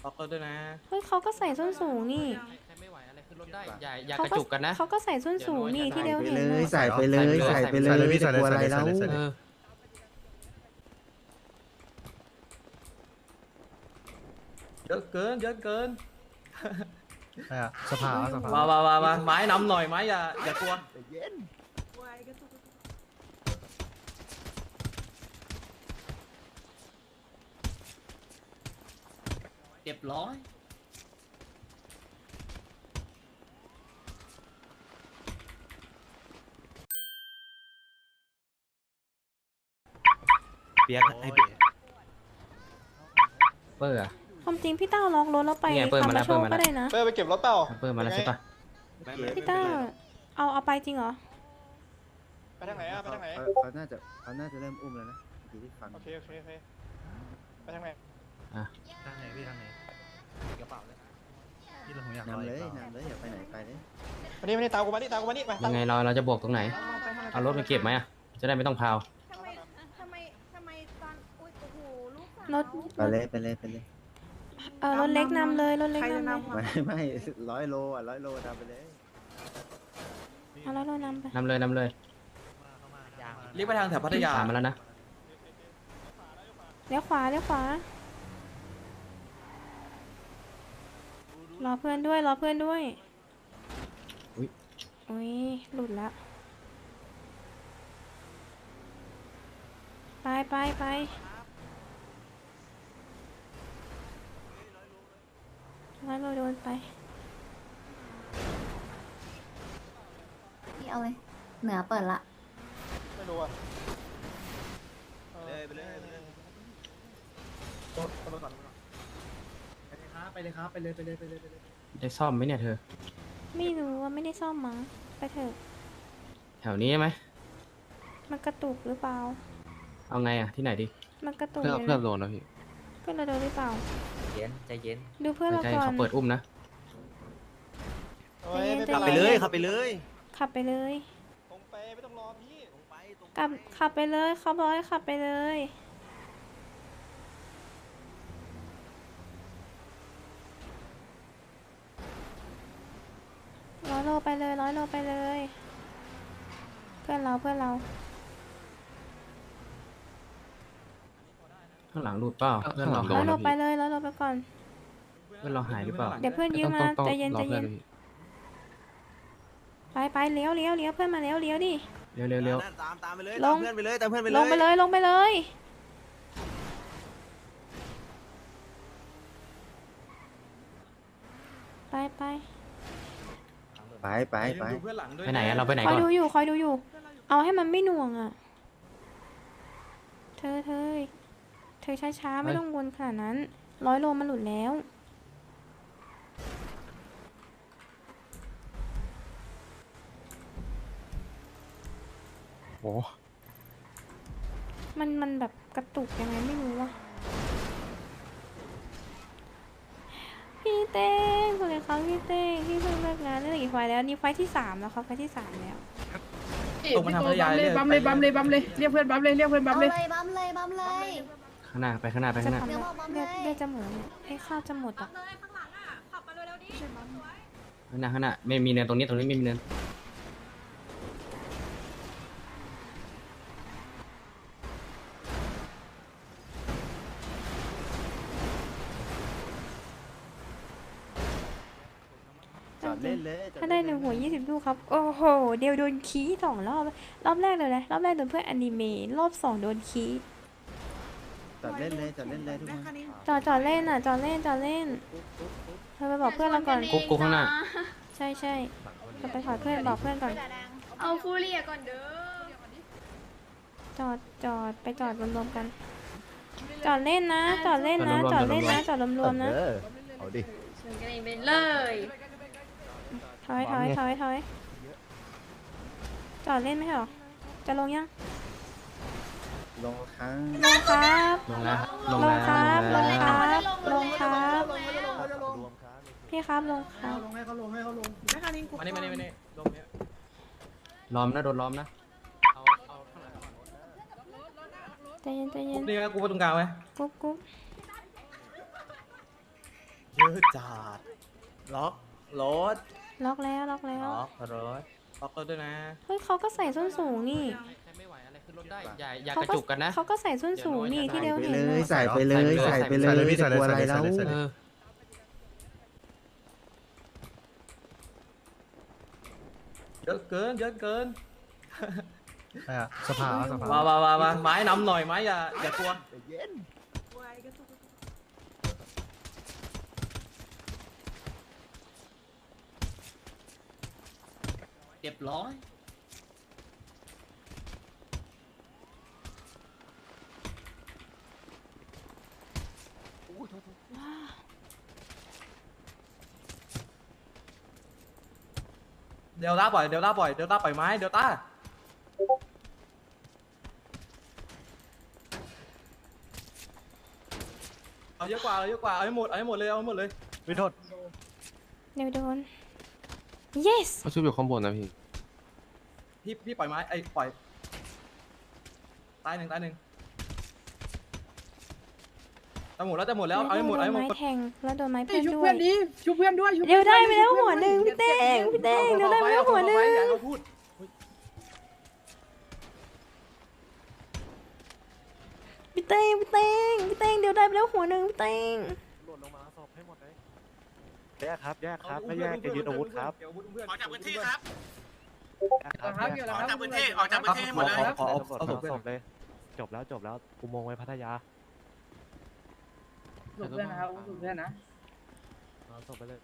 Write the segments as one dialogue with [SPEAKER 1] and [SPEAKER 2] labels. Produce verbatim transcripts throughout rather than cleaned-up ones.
[SPEAKER 1] ล็อกรถด้วยนะ
[SPEAKER 2] เฮ้ยเขาก็ใส่ส้นสูงนี่
[SPEAKER 3] ใครไม่ไหวอะไรขึ้นรถได้อย่าอย่า
[SPEAKER 2] เขา
[SPEAKER 3] กระ
[SPEAKER 2] ก็
[SPEAKER 3] จุกกันนะ
[SPEAKER 2] เขาก็ใส่ส้นสูงนี่ที่เดียว
[SPEAKER 4] ไป
[SPEAKER 2] เห็น
[SPEAKER 4] เลย
[SPEAKER 2] อะ
[SPEAKER 4] ใส่ไปเลยใส่ไปเลยจะกลัวอะไรแล้ว
[SPEAKER 3] เออ
[SPEAKER 1] เยอะเกินเยอะเกิน
[SPEAKER 5] สภาสภา
[SPEAKER 1] มามามามาไม้นำหน่อยไม้อย่าอย่ากลัวเรียบร้อยเปียกให้เปียก
[SPEAKER 3] เปอร์อะ
[SPEAKER 2] ความจริงพี่ต้าล็อกรถแล้วไป
[SPEAKER 3] เนี่ยเปิดมาแล้ว
[SPEAKER 2] คามาโช
[SPEAKER 3] เปิดมาแล้ว
[SPEAKER 2] ก็ได้นะ
[SPEAKER 6] เป้ไปเก็บรถเปล่า
[SPEAKER 3] เปอร์มาแล้วใช่ปะ
[SPEAKER 2] พี่ต้าเอาเอาไปจริงเหรอ
[SPEAKER 6] ไปทางไหนอะไปทางไหน
[SPEAKER 4] เขาน่าจะเขาน่าจะเริ่มอุ้มแล้วนะที่ฟัง
[SPEAKER 6] โอเคโอเคโอเคไปทางไหน
[SPEAKER 5] ทางไหนพี่ทางไหนกระเป๋าเลยพี่เราผมอยาก
[SPEAKER 4] นำเลยนำเลยอย่าไปไหนไปเลย
[SPEAKER 6] มานี่มานี่ตามกูมานี่ตามกูมานี่ไป
[SPEAKER 3] ยังไงเราเราจะบวกตรงไหนเอารถไปเก็บไหมอะจะได้ไม่ต้องพาว
[SPEAKER 7] ทำไมทำไมทำไมตอนอุ้ยโอ้โหลูกสาว
[SPEAKER 2] รถ
[SPEAKER 4] ไปเลยไปเลยไปเลย
[SPEAKER 2] เออรถเล็กนำเลยรถเล็กนำเลย
[SPEAKER 4] ไม่ไม่ร้อยโลอ่ะร้อยโลทำไปเลย
[SPEAKER 2] เอาแล้วเรานำไป
[SPEAKER 3] นำเลยนำเลย
[SPEAKER 1] เรียกไปทางแถวพัทยา
[SPEAKER 3] ตามมาแล้วนะ
[SPEAKER 2] เลี้ยวขวาเลี้ยวขวา รอเพื่อนด้วยรอเพื่อนด้วย
[SPEAKER 3] อุ๊ย
[SPEAKER 2] อุ้ยหลุดละไปไปไปร้อยโลโดนไป
[SPEAKER 7] พี่เอาเลย เหนือเปิดละ
[SPEAKER 6] ไม่รู้อะ
[SPEAKER 1] เลยไปเลยไปเลย
[SPEAKER 5] ไปเลยครับไปเลยไปเลยไปเลยไปเลย
[SPEAKER 3] ได้ซ่อมไหมเนี่ยเธอ
[SPEAKER 2] ไม่รู้ว่าไม่ได้ซ่อมมั้งไปเถอะ
[SPEAKER 3] แถวนี้ใช่ไหม
[SPEAKER 2] มันกระตุกหรือเปล่า
[SPEAKER 3] เอาไงอะที่ไหนดี
[SPEAKER 2] มันกระตุก
[SPEAKER 3] เพื่อ
[SPEAKER 2] ยู่
[SPEAKER 3] เพื่อโดนนะพี่
[SPEAKER 2] เพื่อนเราโดนหรือเปล่า
[SPEAKER 1] เย็นใจเย็น
[SPEAKER 2] ดูเพื่อนเรา
[SPEAKER 3] ใจ
[SPEAKER 2] ก่อน
[SPEAKER 3] เขาเปิดอุ้มนะ
[SPEAKER 6] โอ้ยไม่
[SPEAKER 2] ใจ
[SPEAKER 6] เป็น
[SPEAKER 2] เย็
[SPEAKER 6] ไร
[SPEAKER 2] น
[SPEAKER 1] ขับไปเลยขับไปเลย
[SPEAKER 2] ขับไปเลย
[SPEAKER 6] ตรงไปไม่ต้องรอพี่
[SPEAKER 2] กลับขับไปเลยเขาบอกให้ขับไปเลยร้อยโลไปเลยร้อยโลไปเลย เพื่อนเราเพื่อนเรา
[SPEAKER 3] ข้างหลังหลุดเปล่าเพื่อนเรา
[SPEAKER 2] ร้อยโลไปเลยร้อยโลไปก่อน
[SPEAKER 3] เพื่อนเราหายหรือเปล่า
[SPEAKER 2] เดี๋ยวเพื่อนยืมมาใจเย็นใจเย็นไปไปเลี้ยวเลี้ยวเลี้ยวเพื่อนมาเลี้ยวเลี้ยวดิ
[SPEAKER 3] เร็วเร็วเร็ว
[SPEAKER 1] ตามตามไปเลย
[SPEAKER 2] ล
[SPEAKER 1] ตาม
[SPEAKER 2] ง
[SPEAKER 1] เพื่อนไปเลยตามเพื่อนไปเลย
[SPEAKER 2] ลงไปเลยลงไปเลย ไปไป
[SPEAKER 4] ไปไปไป
[SPEAKER 1] ดูเพื่อนหลังด้วย
[SPEAKER 3] ไปไหนอะเราไปไหน
[SPEAKER 2] คอย
[SPEAKER 3] ก่อน
[SPEAKER 2] ดูอยู่คอยดูอยู่ เอาให้มันไม่หน่วงอ่ะ เธอเธอเธอช้าๆไม่ต้องวนขนาดนั้นร้อยโลมันหลุดแล้ว
[SPEAKER 3] โอ้
[SPEAKER 2] มันมันแบบกระตุกยังไงไม่รู้ว่ะพี่เต้งคุณเลยครับพี่เต้งพี่เพิ่งเลิกงานได้กี่ไฟล์แล้วนี่ไฟล์ที่สามแล้วครับไฟล์ที่สามแล้ว
[SPEAKER 1] ตรงมาทางพัทยาเลย
[SPEAKER 8] บัมเลยบัมเลยบัมเลยเรียกเพื่อนบัมเลยเรียกเพื่อนบั
[SPEAKER 7] เอา
[SPEAKER 8] ม
[SPEAKER 7] เล
[SPEAKER 8] เลย
[SPEAKER 7] ยบัมเลยบัมเลย
[SPEAKER 3] ข้างหน้าไปข้างหน้าไป
[SPEAKER 2] จะ
[SPEAKER 3] ข้างหน้า
[SPEAKER 2] ทำ
[SPEAKER 7] เดี๋
[SPEAKER 2] แล้
[SPEAKER 7] ยว วบอกบัม
[SPEAKER 2] เลือด
[SPEAKER 7] เลย
[SPEAKER 2] เลือดจะหมดเนี่ยให้ข้าวจะหมดอ่ะ
[SPEAKER 3] ข้างหน้าข้างหน้าไม่มีเนินตรงนี้ตรงนี้ไม่มีเนิน
[SPEAKER 4] จอดเล่นเลย
[SPEAKER 2] ถ้าได้หนึ่งหัวยี่สิบลูกครับ โอ้โห เดียวโดนคีสองรอบ รอบแรกเลยนะรอบแรกโดนเพื่อนอนิเมะรอบสองโดนคี
[SPEAKER 4] จอดเล่นเลยจอดเล่นเลยทุกคน
[SPEAKER 2] จอดจอดเล่นอ่ะจอดเล่นจอดเล่นเธอไปบอกเพื่อนเราก่อน
[SPEAKER 3] กุ๊กกุ๊กข้างหน้า
[SPEAKER 2] ใช่ใช่เราไปขอเพื่อนบอกเพื่อนก่อน
[SPEAKER 7] เอาฟูเรียก่อนเด้อ
[SPEAKER 2] จอดจอดไปจอดรวมๆกัน จอดเล่นนะ จอดเล่นนะ จอดเล่นนะ จอดรวมๆนะ
[SPEAKER 4] เออเอาดิ
[SPEAKER 7] ชวนกันเองไปเลย
[SPEAKER 2] ถอยถอยถอยถอยจอดเล่นไหมเหรอ จะลงยัง
[SPEAKER 4] ลงครั้ง
[SPEAKER 2] ลงครับ
[SPEAKER 3] ลงแล้วล
[SPEAKER 2] ล
[SPEAKER 3] ง
[SPEAKER 2] ง
[SPEAKER 3] แล้ว
[SPEAKER 2] ครับ
[SPEAKER 3] ล
[SPEAKER 2] ล
[SPEAKER 3] ง
[SPEAKER 2] ง
[SPEAKER 3] แล้ว
[SPEAKER 2] ครับ ลงครับ
[SPEAKER 4] รวมครับ
[SPEAKER 2] พี่ครับลงครับ
[SPEAKER 8] ลงให้เขาลงให้เขาลง
[SPEAKER 1] มานี่มานี่มานี่ลงเนี้ย
[SPEAKER 3] ล้อมนะโดนล้อมนะ
[SPEAKER 1] เอาเอาข้างหลังก่อน
[SPEAKER 2] ใจเย็นใจเย็
[SPEAKER 1] ปุ๊
[SPEAKER 2] น
[SPEAKER 1] บนี่ก็กูไปตรงกลางไว้
[SPEAKER 2] กุ๊บกุ๊บ
[SPEAKER 1] เยอะจัดล็อกรถ
[SPEAKER 2] ล็อกแล้วล็อกแล้ว
[SPEAKER 1] ล็อกรถล็อกรถด้วยนะ
[SPEAKER 2] เฮ้ยเขาก็ใส่ส้นสูงนี่
[SPEAKER 3] ใครไม่ไหวอะไรขึ้นรถได้ อย่าอย่า
[SPEAKER 2] เขา
[SPEAKER 3] กระ
[SPEAKER 2] ก็
[SPEAKER 3] จุกกันนะ
[SPEAKER 2] เขาก็ใส่ส้นสูงนี่ที่เดียว
[SPEAKER 4] ไป
[SPEAKER 2] เห็น
[SPEAKER 4] เล
[SPEAKER 2] เลย ย
[SPEAKER 4] ใส่ไปเลยใส่ไปเลยจะกลัวอะไรแล้ว
[SPEAKER 3] เออ
[SPEAKER 1] เยอะเกินเยอะเกิน
[SPEAKER 5] สภาสภา
[SPEAKER 1] มามามามาไม้นำหน่อยไม้อย่าอย่ากลัว
[SPEAKER 3] เรียบร้อย
[SPEAKER 1] เดลต้าปล่อยเดลต้าปล่อยเดลต้าปล่อยไม้เดลต้าเอาเยอะกว่าเอาเยอะกว่าเอาให้หมดเอาให้หมดเลยเอาให้หมดเลย
[SPEAKER 5] วิโทษ
[SPEAKER 2] เดี๋ยวโดน yes
[SPEAKER 9] เขาชุบอยู่ข้างบนนะพี่
[SPEAKER 1] พี่พี่ปล่อยไม้ไอ้ปล่อยตายหนึ่งตายหนึ่งจะหมดแล้วจะหมดแล้วเอาให้หมดเอาให้หมด
[SPEAKER 2] ไม้แทงแล้วโดนไม้
[SPEAKER 8] เฮ้
[SPEAKER 2] เพื่
[SPEAKER 8] ย
[SPEAKER 2] อน
[SPEAKER 8] ชุบ
[SPEAKER 2] ด้ว
[SPEAKER 8] เพื่อย นดิชุบเพื่อนด้วยชุบ
[SPEAKER 2] เดี๋ยวได้
[SPEAKER 8] พื่อน
[SPEAKER 2] ไปแล้ว
[SPEAKER 8] ชุบ
[SPEAKER 2] หัว
[SPEAKER 8] เพื่อน
[SPEAKER 2] หนึ่งพี่เต้งพี่เต้งเดี๋ยวได้ไปแล้วหัวหนึ่ง
[SPEAKER 1] อย่าเขาพูด
[SPEAKER 2] พี่เต้งพี่เต้งพี่เต้งเดี๋ยวได้ไปแล้วหัวหนึ่งพี่เต้ง
[SPEAKER 5] หล่นลงมาศพให้หมดเลยแยกครับแยกครับไม่แยกจะยึดอาวุธครับ
[SPEAKER 1] ออกจากพื้นที่ครับ
[SPEAKER 8] ครับเกี่ยวแล้วครับ
[SPEAKER 1] ออกจากพื้นที่ออกจากพื้นที่หมดเลย
[SPEAKER 5] ขอเอาศพศพเลยจบแล้วจบแล้วอุโมงค์ไว้พัทยา
[SPEAKER 8] ชุบเพื่อนนะครับชุบเพื่อนนะ
[SPEAKER 5] เอาศพไปเลย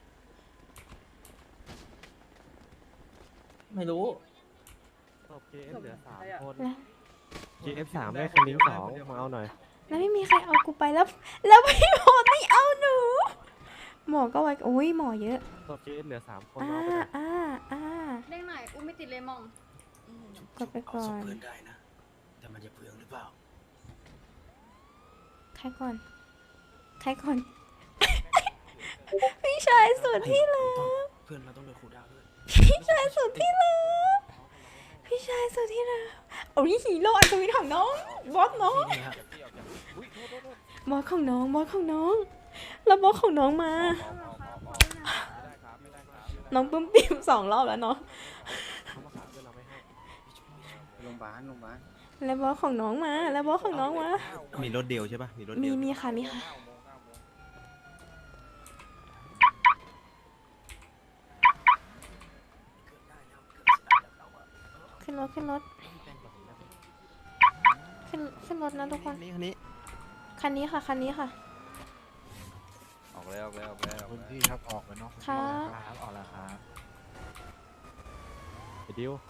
[SPEAKER 1] ไม่รู้
[SPEAKER 5] ศพ เค เอฟ เหลือสามคน
[SPEAKER 2] แล้ว
[SPEAKER 5] เค เอฟ สามได้คันนิ้งสองมาเอาหน่อย
[SPEAKER 2] แล้วไม่มีใครเอากูไปแล้ว แล้วพี่หมอไม่เอาหนู หมอก็ไว้อุ้ยหมอเยอะ
[SPEAKER 5] ศพ เค เอฟ เหลือสามคน
[SPEAKER 2] อ่า
[SPEAKER 5] เอาไปเลย
[SPEAKER 2] อ่าอ่า
[SPEAKER 7] เด้งหน่อยอุ้มไม่ติดเลยมอง
[SPEAKER 2] กดไปก่อน
[SPEAKER 1] ได้นะแต่มันจะเปลืองหรือเปล่า
[SPEAKER 2] ใครก่อน ใครก่อน พี่ชายสุดที่รัก
[SPEAKER 1] เพื่อนเราต้องโดนขู่ดาวด้วย
[SPEAKER 2] พี่ชายสุดที่รักพี่ชายสุดที่รักโอ้ยฮีโร่อัศวินของน้อง บอสน้อง บอสของน้อง บอสของน้อง แล้วบอสของน้องมา น้องปึ้มปิ่มสองรอบแล้วเนาะ
[SPEAKER 5] เขามาขายเพื่อนเราไม่ให้
[SPEAKER 4] โรงพยาบาลโรงพยาบาล
[SPEAKER 2] แล้วบอสของน้องมา แล้วบอสของน้องมา
[SPEAKER 4] มีรถเดียวใช่ป่ะมีรถ
[SPEAKER 2] มี
[SPEAKER 4] เดียว
[SPEAKER 2] มีค่ะ มีค่ะ ขึ้นรถ ขึ้นรถ ขึ้นขึ้นรถนะทุกคน
[SPEAKER 4] นี่คันนี้
[SPEAKER 2] คันนี้ค่ะ คันนี้ค่ะ
[SPEAKER 4] ออกแล้วออกแล้วออกแล้ว
[SPEAKER 5] พื้นที่ครับออกไปนอกพื้น
[SPEAKER 2] ค่ะ
[SPEAKER 5] ที่ครับออกแล้วครับไอ้ดิว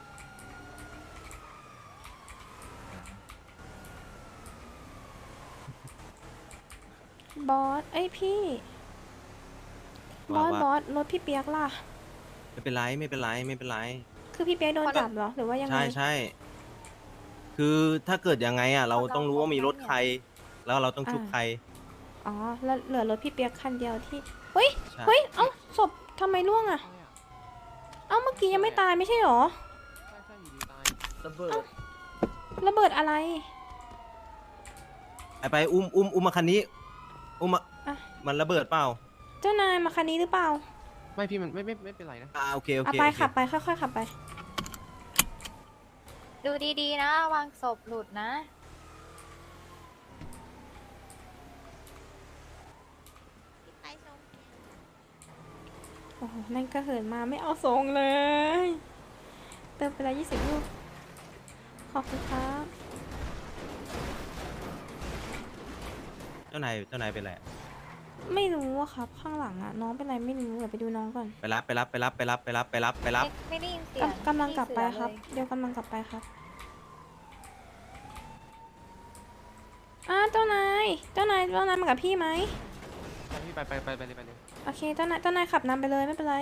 [SPEAKER 2] บอส เอ้ยพี่ บอส บอส รถพี่เปียกล่ะ
[SPEAKER 10] ไม่เป็นไรไม่เป็นไรไม่เป็นไร
[SPEAKER 2] คือพี่เปียกโดนจับเหรอ หรือว่ายังไง
[SPEAKER 10] ใช่ใช่คือถ้าเกิดยังไงอ่ะ เราต้องรู้ว่ามีรถใคร แล้วเราต้องชุบ
[SPEAKER 2] อ่า
[SPEAKER 10] ใคร
[SPEAKER 2] อ๋อ แล้วเหลือรถพี่เปียกคันเดียวที่ เฮ้ย
[SPEAKER 10] ใช่
[SPEAKER 2] เฮ้ย เอ้า ศพทำไมร่วงอะเอ้า เมื่อกี้ยังไม่ตายไม่ใช่หรอ
[SPEAKER 1] ระเบิด
[SPEAKER 2] ระเบิดอะไร
[SPEAKER 10] ไปไปอุ้มอุ้มอุ้มมาคันนี้ อุ้มมา
[SPEAKER 2] อ่ะ
[SPEAKER 10] มันระเบิดเปล่า
[SPEAKER 2] เจ้านายมาคันนี้หรือเปล่า
[SPEAKER 9] ไม่พี่มันไม่ไม่ไม่เป็นไรนะ
[SPEAKER 10] อ่าโอเคโอ
[SPEAKER 2] เอา
[SPEAKER 10] เค
[SPEAKER 2] ไป
[SPEAKER 10] โอเค
[SPEAKER 2] ขับไป ค่อยๆขับไป
[SPEAKER 7] ดูดีๆนะวางศพหลุดนะ
[SPEAKER 2] โอ้โหนั่นก็เหินมาไม่เอาทรงเลย เติมไปแล้วยี่สิบลูก ขอบคุณครับ
[SPEAKER 10] เจ้านายเจ้านายเป็นไร
[SPEAKER 2] ไม่รู้อะครับ ข้างหลังอะน้องเป็นไรไม่รู้เดี๋ยวไปดูน้องก่อน
[SPEAKER 10] ไปรับไปรับไปรับไปรับไปรับไปรับไปรับ
[SPEAKER 7] ไม่ได้ยินเสียง
[SPEAKER 2] กำกำลังกลับไป
[SPEAKER 7] พี่เสือ
[SPEAKER 2] ครับ
[SPEAKER 7] เลย
[SPEAKER 2] เดี๋ยวกำลังกลับไปครับอ่าเจ้านาย เจ้านาย เจ้านายมากับพี่ไหม
[SPEAKER 9] ไปพี่ไปไปไปไปเลยไปเลย
[SPEAKER 2] โอเค เจ้านาย เจ้านายขับนำไปเลยไม่เป็นไร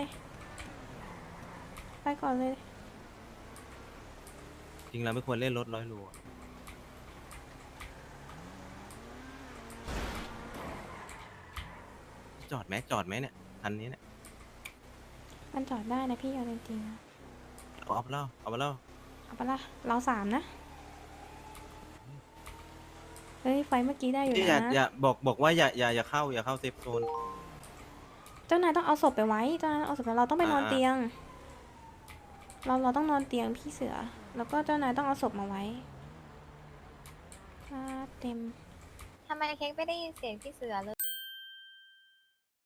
[SPEAKER 2] ไปก่อนเลย
[SPEAKER 10] จริงเราไม่ควรเล่นรถร้อยโลอะจอดไหมจอดไหมเนี่ยคันนี้เนี่ย
[SPEAKER 2] มันจอดได้นะพี่เอาจริงๆนะ
[SPEAKER 10] เอาเอาไปเล่าเอาไปเล่า
[SPEAKER 2] เอาปะล่ะเราสามนะ เฮ้ย ไฟเมื่อกี้ได้อยู่
[SPEAKER 10] อย่า
[SPEAKER 2] นะ
[SPEAKER 10] อย่าบอกบอกว่าอย่าอย่าอย่าเข้าอย่าเข้าเซฟโซน
[SPEAKER 2] เจ้านายต้องเอาศพไปไว้เจ้านายเอาศพไปเราต้องไปนอน
[SPEAKER 10] อ่า
[SPEAKER 2] เตียง เราเราต้องนอนเตียงพี่เสือ แล้วก็เจ้านายต้องเอาศพมาไว้ครับเต็ม
[SPEAKER 7] ทำไมเค้กไม่ได้ยินเสียงพี่เสือเลย